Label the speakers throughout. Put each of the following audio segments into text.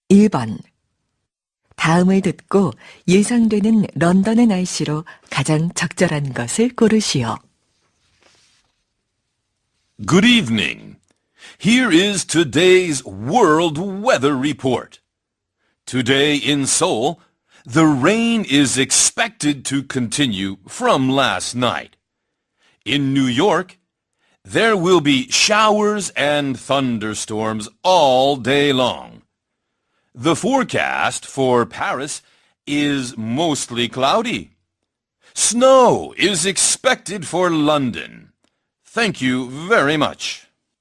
Speaker 1: 1번. 다음을 듣고 예상되는 런던의 날씨로 가장 적절한 것을 고르시오.
Speaker 2: Good evening. Here is today's World Weather Report. Today in Seoul, the rain is expected to continue from last night. In New York, there will be showers and thunderstorms all day long. The forecast for Paris is mostly cloudy. Snow is expected for London. Thank you very much.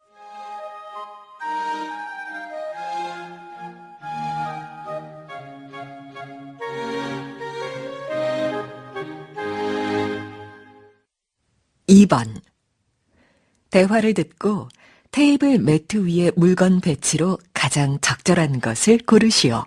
Speaker 1: 2번. 대화를 듣고 테이블 매트 위의 물건 배치로 가장 적절한 것을 고르시오.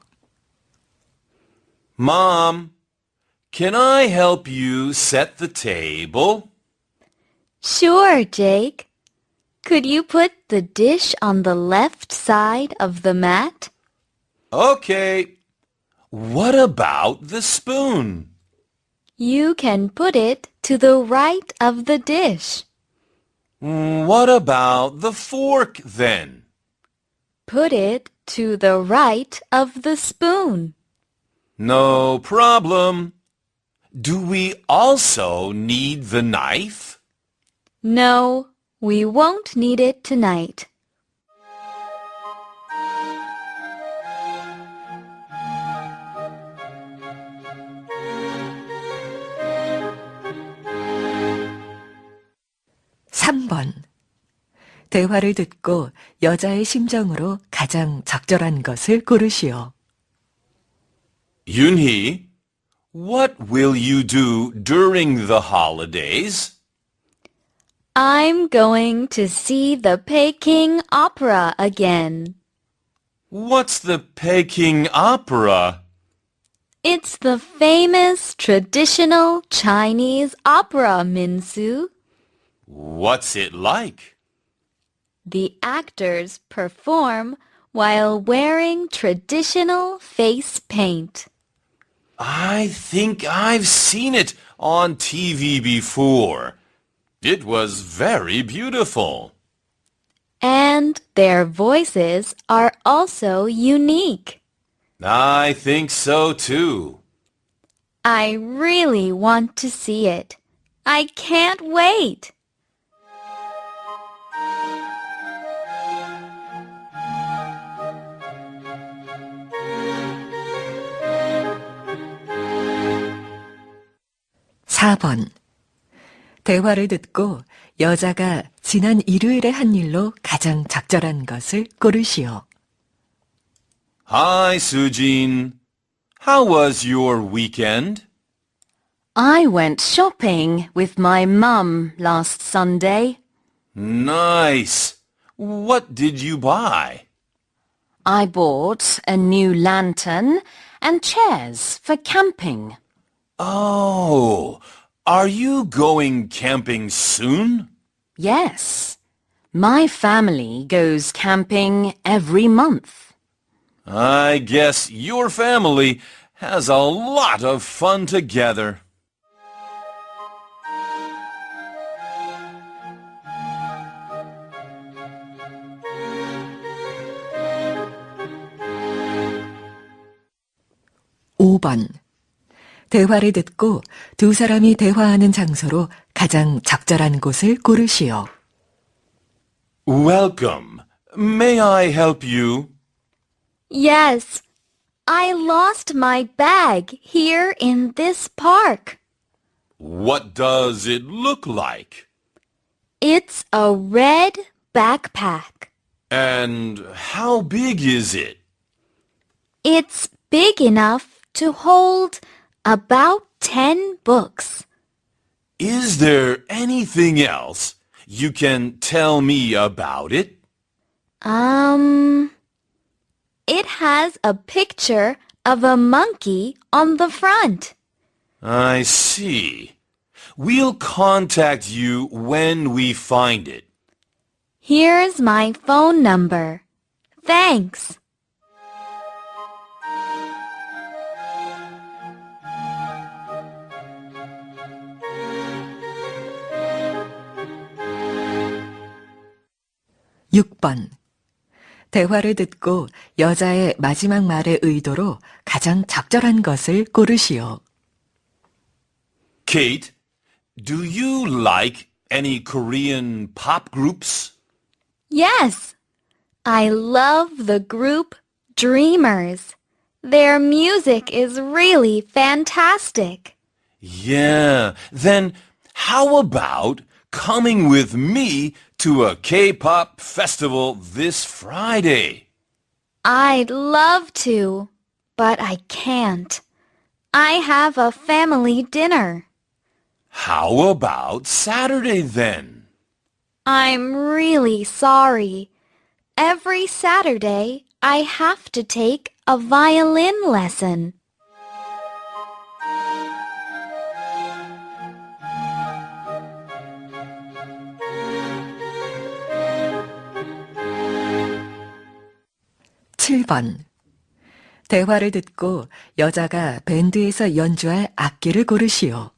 Speaker 2: Mom, can I help you set the table?
Speaker 3: Sure, Jake. Could you put the dish on the left side of the mat?
Speaker 2: Okay. What about the spoon?
Speaker 3: You can put it to the right of the dish.
Speaker 2: What about the fork then?
Speaker 3: Put it to the right of the spoon.
Speaker 2: No problem. Do we also need the knife?
Speaker 3: No, we won't need it tonight.
Speaker 1: 3번. 대화를 듣고 여자의 심정으로 가장 적절한 것을 고르시오.
Speaker 2: Yoonhee, what will you do during the holidays?
Speaker 3: I'm going to see the Peking Opera again.
Speaker 2: What's the Peking Opera?
Speaker 3: It's the famous traditional Chinese opera, Minsu.
Speaker 2: What's it like?
Speaker 3: The actors perform while wearing traditional face paint.
Speaker 2: I think I've seen it on TV before. It was very beautiful.
Speaker 3: And their voices are also unique.
Speaker 2: I think so too.
Speaker 3: I really want to see it. I can't wait.
Speaker 1: 4번. 대화를 듣고 여자가 지난 일요일에 한 일로 가장 적절한 것을 고르시오.
Speaker 2: Hi, Sujin. How was your weekend?
Speaker 4: I went shopping with my mum last Sunday.
Speaker 2: Nice. What did you buy?
Speaker 4: I bought a new lantern and chairs for camping.
Speaker 2: Oh, are you going camping soon?
Speaker 4: Yes, my family goes camping every month.
Speaker 2: I guess your family has a lot of fun together.
Speaker 1: 5번. 대화를 듣고 두 사람이 대화하는 장소로 가장 적절한 곳을 고르시오.
Speaker 2: Welcome. May I help you?
Speaker 3: Yes, I lost my bag here in this park.
Speaker 2: What does it look like?
Speaker 3: It's a red backpack.
Speaker 2: And how big is it?
Speaker 3: It's big enough to hold about 10 books.
Speaker 2: Is there anything else you can tell me about it?
Speaker 3: It has a picture of a monkey on the front.
Speaker 2: I see. We'll contact you when we find it.
Speaker 3: Here's my phone number. Thanks.
Speaker 1: 6번. 대화를 듣고 여자의 마지막 말의 의도로 가장 적절한 것을 고르시오.
Speaker 2: Kate, do you like any Korean pop groups?
Speaker 3: Yes, I love the group Dreamers. Their music is really fantastic.
Speaker 2: Yeah, then how about coming with me to a K-pop festival this Friday?
Speaker 3: I'd love to, but I can't. I have a family dinner.
Speaker 2: How about Saturday then?
Speaker 3: I'm really sorry. Every Saturday, I have to take a violin lesson.
Speaker 1: (7번) 대화를 듣고 여자가 밴드에서 연주할 악기를 고르시오.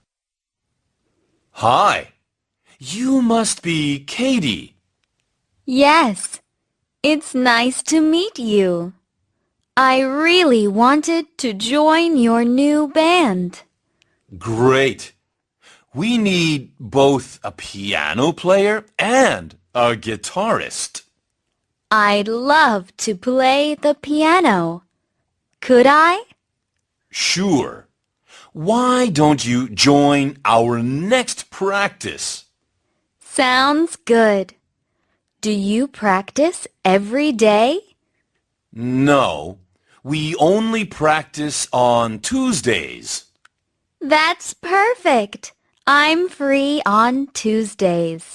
Speaker 2: Hi, you must be Katie.
Speaker 3: Yes, it's nice to meet you. I really wanted to join your new band.
Speaker 2: Great. We need both a piano player and a guitarist.
Speaker 3: I'd love to play the piano. Could I?
Speaker 2: Sure. Why don't you join our next practice?
Speaker 3: Sounds good. Do you practice every day?
Speaker 2: No, we only practice on Tuesdays.
Speaker 3: That's perfect. I'm free on Tuesdays.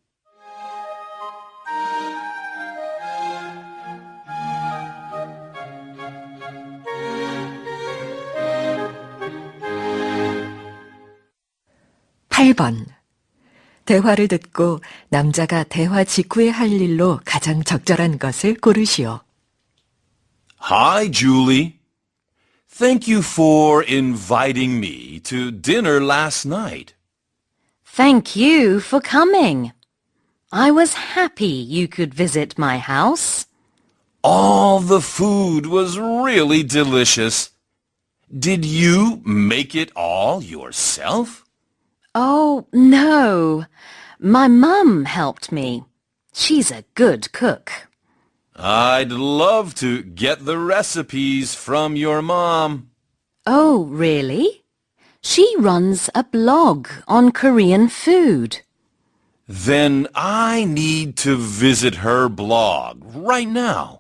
Speaker 1: (8번) 대화를 듣고 남자가 대화 직후에 할 일로 가장 적절한 것을 고르시오.
Speaker 2: Hi, Julie. Thank you for inviting me to dinner last night.
Speaker 4: Thank you for coming. I was happy you could visit my house.
Speaker 2: All the food was really delicious. Did you make it all yourself?
Speaker 4: Oh, no. My mum helped me. She's a good cook.
Speaker 2: I'd love to get the recipes from your mom.
Speaker 4: Oh, really? She runs a blog on Korean food.
Speaker 2: Then I need to visit her blog right now.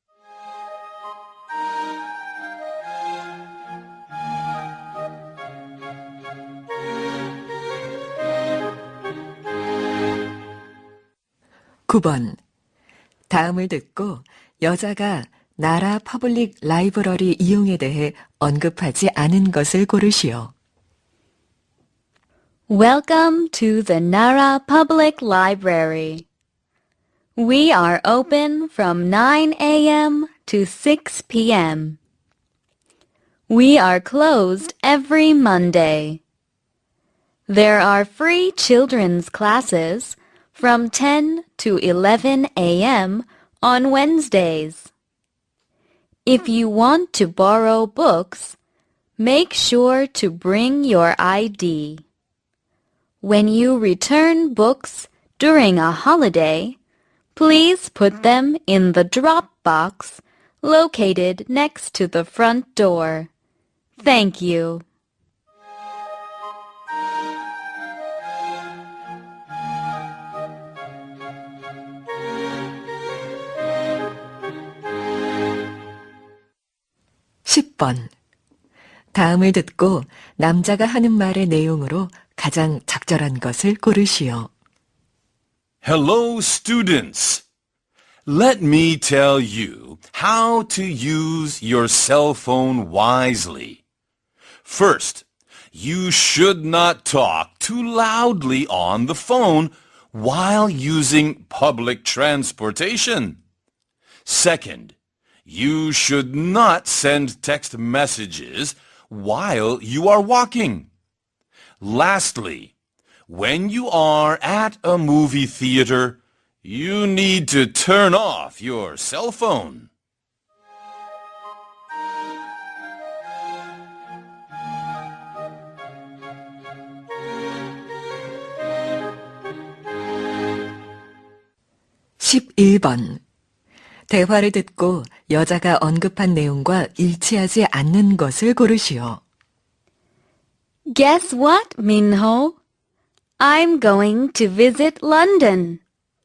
Speaker 1: (9번) 다음을 듣고 여자가 나라 퍼블릭 라이브러리 이용에 대해 언급하지 않은 것을 고르시오.
Speaker 3: Welcome to the Nara Public Library. We are open from 9 a.m. to 6 p.m. We are closed every Monday. There are free children's classes from 10 to 11 a.m. on Wednesdays. If you want to borrow books, make sure to bring your ID. When you return books during a holiday, please put them in the drop box located next to the front door. Thank you.
Speaker 1: (10번) 다음을 듣고 남자가 하는 말의 내용으로 가장 적절한 것을 고르시오.
Speaker 2: Hello, students. Let me tell you how to use your cell phone wisely. First, you should not talk too loudly on the phone while using public transportation. Second, you should not send text messages while you are walking. Lastly, when you are at a movie theater, You need to turn off your cell phone.
Speaker 1: (11번) 대화를 듣고 여자가 언급한 내용과 일치하지 않는 것을 고르시오.
Speaker 3: Guess what, Minho? I'm going to visit London.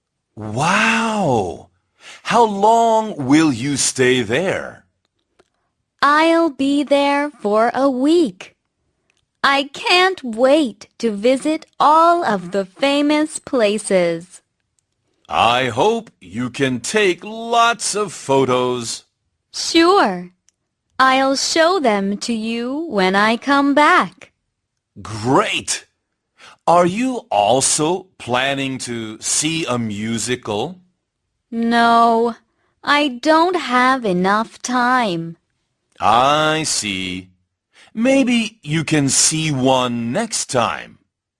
Speaker 2: Wow! How long will you stay there?
Speaker 3: I'll be there for a week. I can't wait to visit all of the famous places.
Speaker 2: I hope you can take lots of photos.
Speaker 3: Sure. I'll show them to you when I come back.
Speaker 2: Great! Are you also planning to see a musical?
Speaker 3: No, I don't have enough time.
Speaker 2: I see. Maybe you can see one next time.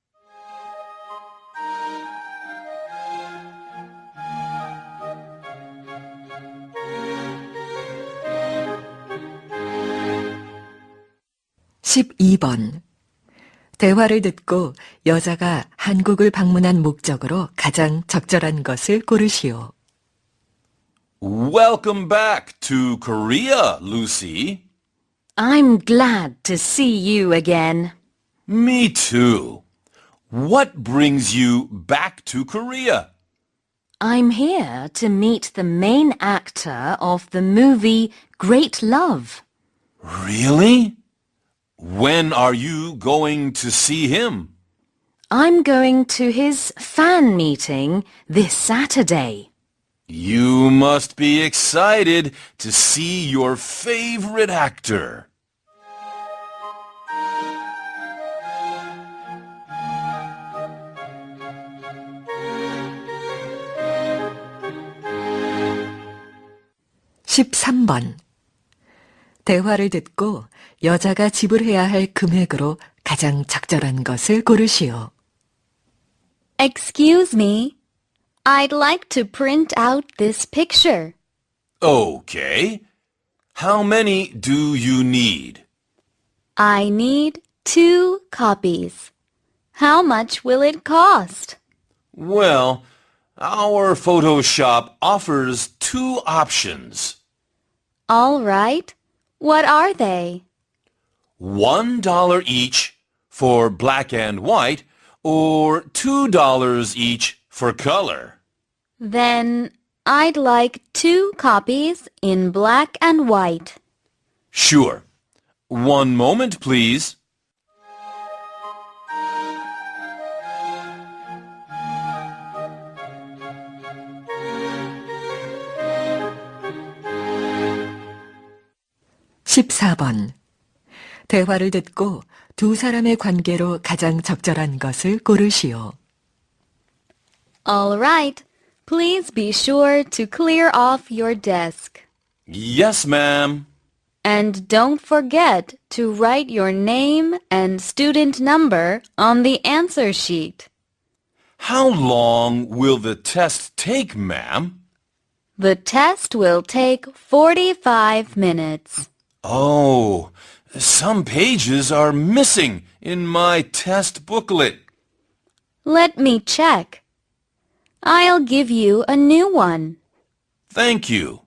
Speaker 1: (12번) 대화를 듣고 여자가 한국을 방문한 목적으로 가장 적절한 것을 고르시오.
Speaker 2: Welcome back to Korea, Lucy.
Speaker 4: I'm glad to see you again.
Speaker 2: Me too. What brings you back to Korea?
Speaker 4: I'm here to meet the main actor of the movie Great Love.
Speaker 2: Really? When are you going to see him?
Speaker 4: I'm going to his fan meeting this Saturday.
Speaker 2: You must be excited to see your favorite actor.
Speaker 1: (13번) 대화를 듣고 여자가 지불해야 할 금액으로 가장 적절한 것을 고르시오.
Speaker 3: Excuse me. I'd like to print out this picture.
Speaker 2: Okay. How many do you need?
Speaker 3: I need 2 copies. How much will it cost?
Speaker 2: Well, our photo shop offers 2 options.
Speaker 3: All right. What are they?
Speaker 2: $1 each for black and white, or $2 each for color.
Speaker 3: Then I'd like 2 copies in black and white.
Speaker 2: Sure. One moment, please.
Speaker 1: (14번) 대화를 듣고 두 사람의 관계로 가장 적절한 것을 고르시오.
Speaker 3: All right. Please be sure to clear off your desk.
Speaker 2: Yes, ma'am.
Speaker 3: And don't forget to write your name and student number on the answer sheet.
Speaker 2: How long will the test take, ma'am?
Speaker 3: The test will take 45 minutes.
Speaker 2: Oh, some pages are missing in my test booklet.
Speaker 3: Let me check. I'll give you a new one.
Speaker 2: Thank you.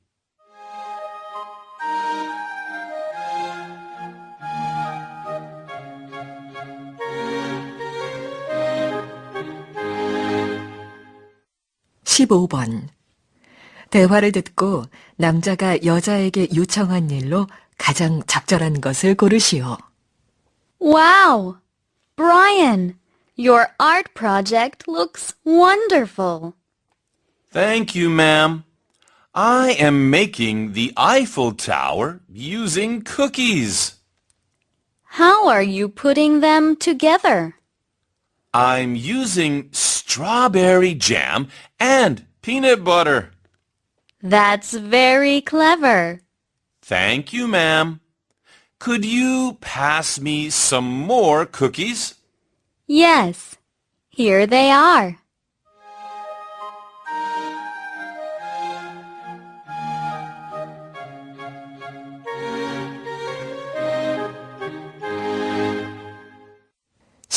Speaker 1: (15번) 대화를 듣고 남자가 여자에게 요청한 일로 가장 적절한 것을 고르시오.
Speaker 3: Wow! Brian, your art project looks wonderful.
Speaker 2: Thank you, ma'am. I am making the Eiffel Tower using cookies.
Speaker 3: How are you putting them together?
Speaker 2: I'm using strawberry jam and peanut butter.
Speaker 3: That's very clever.
Speaker 2: Thank you, ma'am. Could you pass me some more cookies?
Speaker 3: Yes, here they are.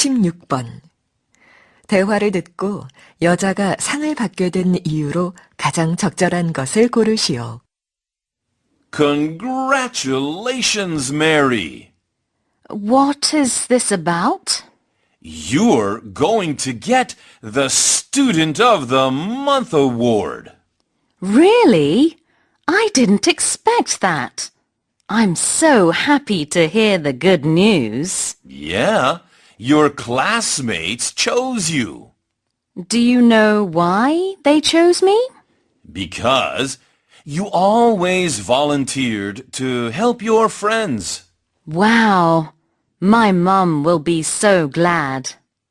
Speaker 1: 16번. 대화를 듣고 여자가 상을 받게 된 이유로 가장 적절한 것을 고르시오.
Speaker 2: Congratulations, Mary.
Speaker 4: What is this about?
Speaker 2: You're going to get the Student of the Month award.
Speaker 4: Really? I didn't expect that. I'm so happy to hear the good news.
Speaker 2: Yeah, your classmates chose you.
Speaker 4: Do you know why they chose me?
Speaker 2: Because you always volunteered to help your friends.
Speaker 4: Wow. My mum will be so glad.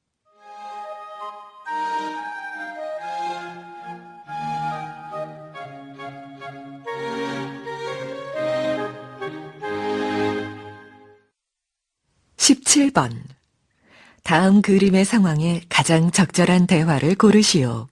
Speaker 1: (17번) 다음 그림의 상황에 가장 적절한 대화를 고르시오.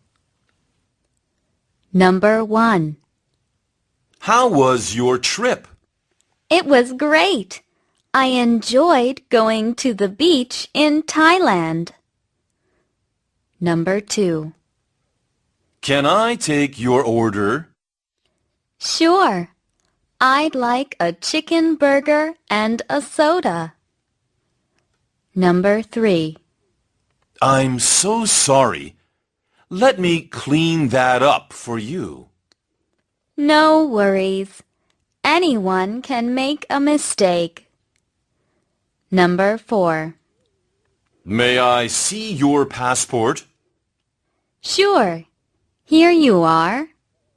Speaker 3: Number 1.
Speaker 2: How was your trip?
Speaker 3: It was great. I enjoyed going to the beach in Thailand. Number 2.
Speaker 2: Can I take your order?
Speaker 3: Sure. I'd like a chicken burger and a soda. Number 3.
Speaker 2: I'm so sorry. Let me clean that up for you.
Speaker 3: No worries. Anyone can make a mistake. Number 4.
Speaker 2: May I see your passport?
Speaker 3: Sure. Here you are.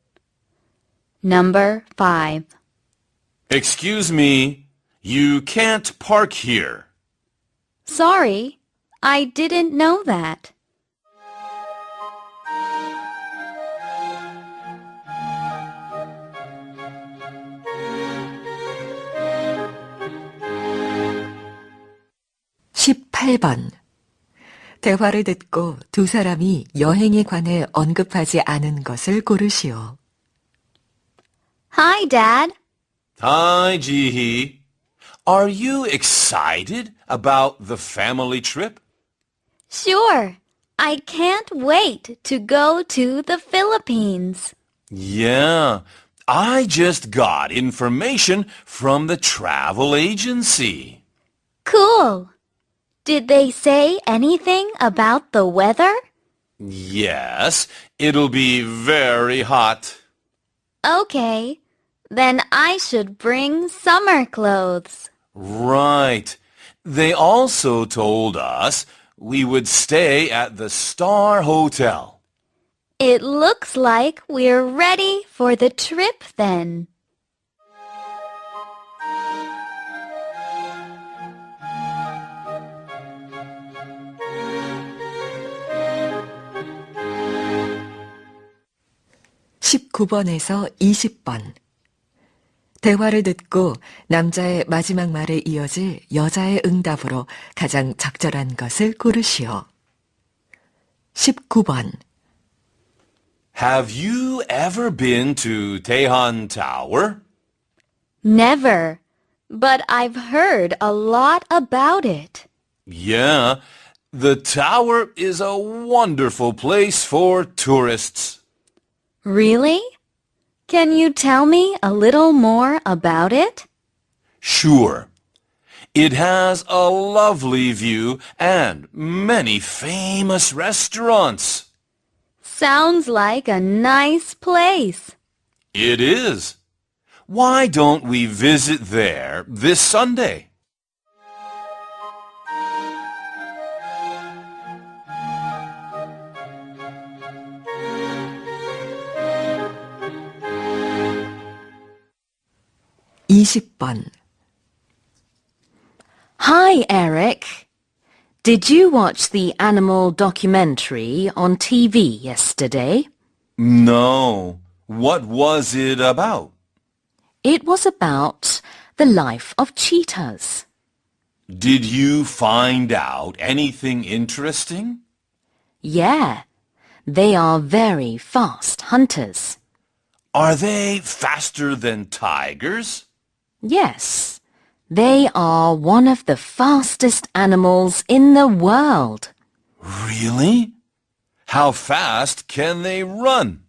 Speaker 3: Number 5.
Speaker 2: Excuse me, you can't park here.
Speaker 3: Sorry, I didn't know that.
Speaker 1: (18번) 대화를 듣고 두 사람이 여행에 관해 언급하지 않은 것을 고르시오.
Speaker 3: Hi, Dad.
Speaker 2: Hi, Jihi. Are you excited about the family trip?
Speaker 3: Sure. I can't wait to go to the Philippines.
Speaker 2: Yeah, I just got information from the travel agency.
Speaker 3: Cool. Did they say anything about the weather?
Speaker 2: Yes, it'll be very hot.
Speaker 3: Okay. Then I should bring summer clothes.
Speaker 2: Right. They also told us we would stay at the Star Hotel.
Speaker 3: It looks like we're ready for the trip then.
Speaker 1: (19번에서 20번) 대화를 듣고 남자의 마지막 말에 이어질 여자의 응답으로 가장 적절한 것을 고르시오. 19번.
Speaker 2: Have you ever been to Daehan Tower?
Speaker 3: Never. But I've heard a lot about it.
Speaker 2: Yeah, the tower is a wonderful place for tourists.
Speaker 3: Really? Can you tell me a little more about it?
Speaker 2: Sure. It has a lovely view and many famous restaurants.
Speaker 3: Sounds like a nice place.
Speaker 2: It is. Why don't we visit there this Sunday?
Speaker 1: (20번)
Speaker 4: Hi, Eric. Did you watch the animal documentary on TV yesterday?
Speaker 2: No. What was it about?
Speaker 4: It was about the life of cheetahs.
Speaker 2: Did you find out anything interesting?
Speaker 4: Yeah, they are very fast hunters.
Speaker 2: Are they faster than tigers?
Speaker 4: Yes, They are one of the fastest animals in the world.
Speaker 2: Really? How fast can they run?